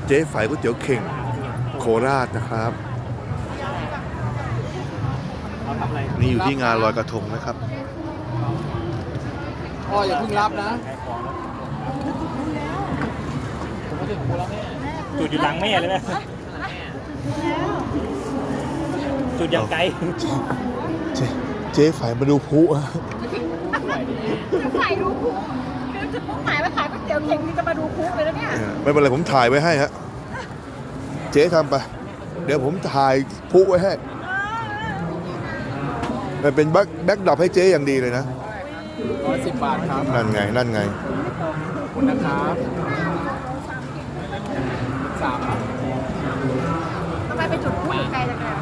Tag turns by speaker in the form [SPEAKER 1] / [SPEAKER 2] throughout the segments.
[SPEAKER 1] เจ๊ไฝก๋วยเตี๋ยวเข่งโคราชนะครับนี่อยู่ที่งานลอยกระทงนะครับ
[SPEAKER 2] พ่ออย่าเพิ่งรับนะ
[SPEAKER 3] จุดอยู่หลังแม่เลยนะจุดอย่างไกล
[SPEAKER 1] เจ๊ไฝมาดูพลุอะ
[SPEAKER 4] จะถ่ายดูพลุคือจุดมุ่งหมายว่าขายก๋วยเตี๋ยวเข่งนี่จะมาดูพลุเลยนะเนี่ย
[SPEAKER 1] ไม่เป็นไรผมถ่ายไว้ให้ฮะเจ๊ทำไปเดี๋ยวผมถ่ายพลุไว้ให้มันเป็นแบ็คดรอปให้เจ๊อย่างดีเลยนะ
[SPEAKER 2] 110 บาทครับ
[SPEAKER 1] นั่นไง
[SPEAKER 2] ขอบคุณนะครับ3
[SPEAKER 4] ทำไมเป็นจุดพลุไกลจังเลย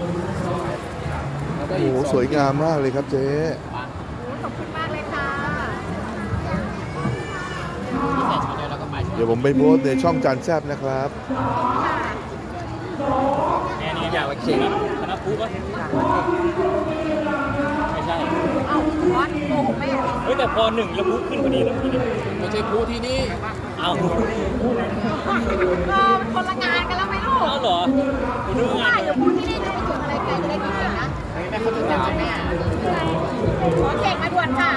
[SPEAKER 1] โอ้โหสวยงามมากเลยครับเจ๊
[SPEAKER 4] ขอบคุณมากเลยค่ะ
[SPEAKER 1] เดี๋ยวผมไปโพสในช่องจานแซบนะครับ
[SPEAKER 3] แม่นี่อยากมาเข่งคณะพูดวะไม่ใช่
[SPEAKER 4] เอาวัดโกหกแม่
[SPEAKER 3] เฮ้ยแต่พอหนึ่งแล้วพูดขึ้นพอดีแล้ว
[SPEAKER 2] ไม่ใช่พูที่นี่
[SPEAKER 3] เอา
[SPEAKER 4] เป็นคนละงานกันแล้วไหมลูก
[SPEAKER 3] เอาเหรอคุณดูงาน
[SPEAKER 4] อย่าพูดที่นี่จะได้จุดอะไรไกลจะได้กินเก่งนะ
[SPEAKER 2] แม่เขาจะตามแม่
[SPEAKER 4] ขอเก่งมาด่วนค่ะ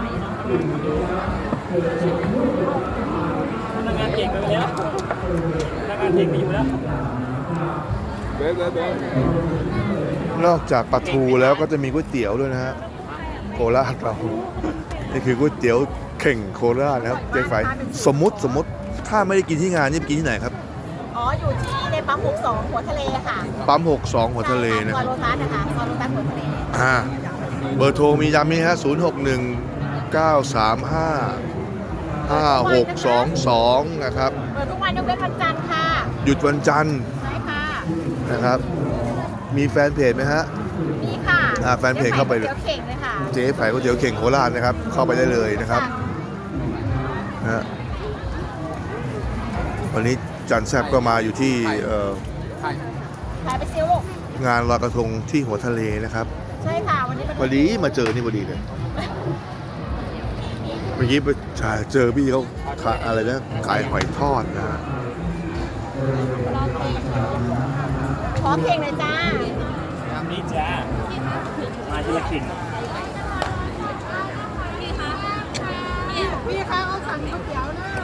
[SPEAKER 3] พนักงานเก่งไปแล้วพนักงานเก่งไปแล้ว
[SPEAKER 1] นอกจากปลาทูแล้วก็จะมีก๋วยเตี๋ยวด้วยนะฮะโคราชเรานี่คือก๋วยเตี๋ยวเข่งโคราชนะครับเจ๊ไฝสมมติถ้าไม่ได้กินที่งานนี่ไปกินที่ไหนครับ
[SPEAKER 4] อ๋ออยู่ที่ในปั๊ม62หัวทะเลค่ะ
[SPEAKER 1] ปั๊ม62หัวทะเลนะ
[SPEAKER 4] ซอยโลตัสนะคะซอยโลตัสหัวทะเล
[SPEAKER 1] เบอร์โทรมีย้ำนี้ฮะ061 935 5622นะครับ
[SPEAKER 4] เปิดทุกวันยกเว้นวันจันทร์ค่ะ
[SPEAKER 1] หยุดวันจันทร์
[SPEAKER 4] ใช่ค่ะ
[SPEAKER 1] นะครับมีแฟนเพจไหมฮะ
[SPEAKER 4] มีค่ะ
[SPEAKER 1] แฟนเพจเข้าไปเลยเจ๊ไฝก๋วยเตี๋ยวเข่งโคราชนะครับเข้าไปได้เลยนะครับนะวันนี้จันแซบก็มาอยู่ที่
[SPEAKER 4] ถ่ายไปซิลลูก
[SPEAKER 1] งานลอยกระทงที่หัวทะเลนะครับ
[SPEAKER 4] ใช่ค่ะ
[SPEAKER 1] วันนี้มาเจอนี่พอดีเลยเมื่อกี้ไปเจอพี่เขาขายอะไรนะขายหอยทอดนะฮะ
[SPEAKER 4] ขอเพลงหน่อยจ้า
[SPEAKER 3] นี่จ้ามาที่ละขิง
[SPEAKER 4] พี่คะเอาสั่งก๋วยเตี๋ยวนะ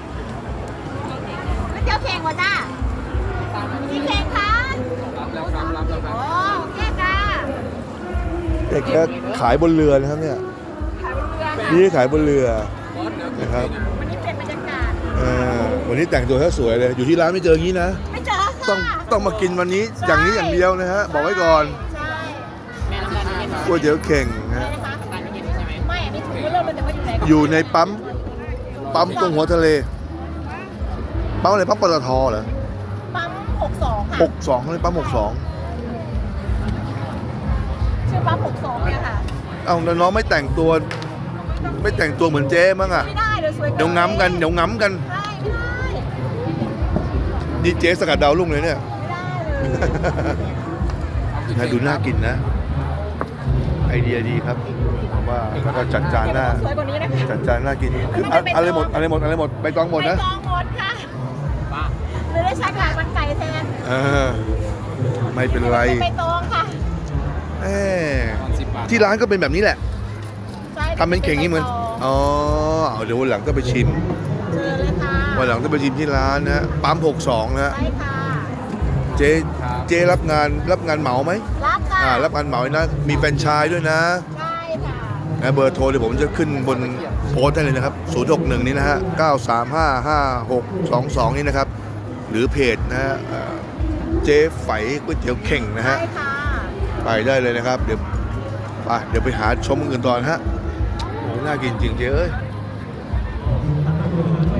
[SPEAKER 4] ก๋วยเตี๋ยวเข่งวะจ้าพี่เข่งคะ
[SPEAKER 2] รับ
[SPEAKER 4] โอ้แก่จ้า
[SPEAKER 1] แต่แกขายบนเรือนะครับเนี่ยนี่ขายบนเรือนะครับ
[SPEAKER 4] วันนี้เปลี่ยนบรรยากาศ
[SPEAKER 1] วันนี้แต่งตัวซะสวยเลยอยู่ที่ร้านไม่เจออย่างนี้นะ
[SPEAKER 4] ไม่เจอค่ะ
[SPEAKER 1] ต้องมากินวันนี้อย่างนี้อย่างเดียวนะฮะบอกไว้ก่อนก๋วยเตี๋ยวเข่งนะ
[SPEAKER 4] ไม่อันนี้ถุงเริ่มเลยแต่ว่า
[SPEAKER 1] อยู่ในปั๊มตรงหัวทะเลปั๊มอะไรปั๊มปตทเหรอ
[SPEAKER 4] ปั๊ม62ค่ะ
[SPEAKER 1] 62เลยปั๊ม62
[SPEAKER 4] ชื่อปั๊ม62เนี่ยค่ะ
[SPEAKER 1] เอาน้องไม่แต่งตัวเหมือนเจ๊มั้งอ่ะ
[SPEAKER 4] ไม่ได้เดี๋ยวสวย
[SPEAKER 1] เดี๋ยวง้ำกัน
[SPEAKER 4] ไม่ได้
[SPEAKER 1] นี่เจ๊สกัดดาวรุ่งเลยเนี่ย
[SPEAKER 4] ไม่ได้เลย
[SPEAKER 1] ดูน่ากินนะไอเดียดีครับผมว่าแล้วก็จัดจานหน้าจัดจานน่ากินคืออะไรหมดใบตองหมดนะ
[SPEAKER 4] ใบตองหมดค่ะหรือได้ใช้กากมันไก่แทน
[SPEAKER 1] ไม่เป็นไร
[SPEAKER 4] ใบตองค่ะ
[SPEAKER 1] ที่ร้านก็เป็นแบบนี้แหละทำเป็นเข่งนี้เหมือนเดี๋ยววันหลังก็ไปชิม
[SPEAKER 4] เจอเลยค่ะ
[SPEAKER 1] วันหลังต้องไปชิมที่ร้านนะปั๊ม62นะ
[SPEAKER 4] ใช่ค่ะ
[SPEAKER 1] เจ๊รับงานเหมาไหม
[SPEAKER 4] รับค่ะ
[SPEAKER 1] รับงานเหมานะมีแฟรนไชส์ด้วยนะ
[SPEAKER 4] ใช่ค่ะ
[SPEAKER 1] เบอร์โทรเดี๋ยวผมจะขึ้นบนโพสต์ให้เลยนะครับ061นี้นะฮะ9355622นี่นะครับหรือเพจนะฮะเจ๊ไฝก๋วยเตี๋ยวเข่งนะฮะไปได้เลยนะครับเดี๋ยวไปหาชมอื่นต่อนะฮะน่ากินจริงเจ๊เอ้ย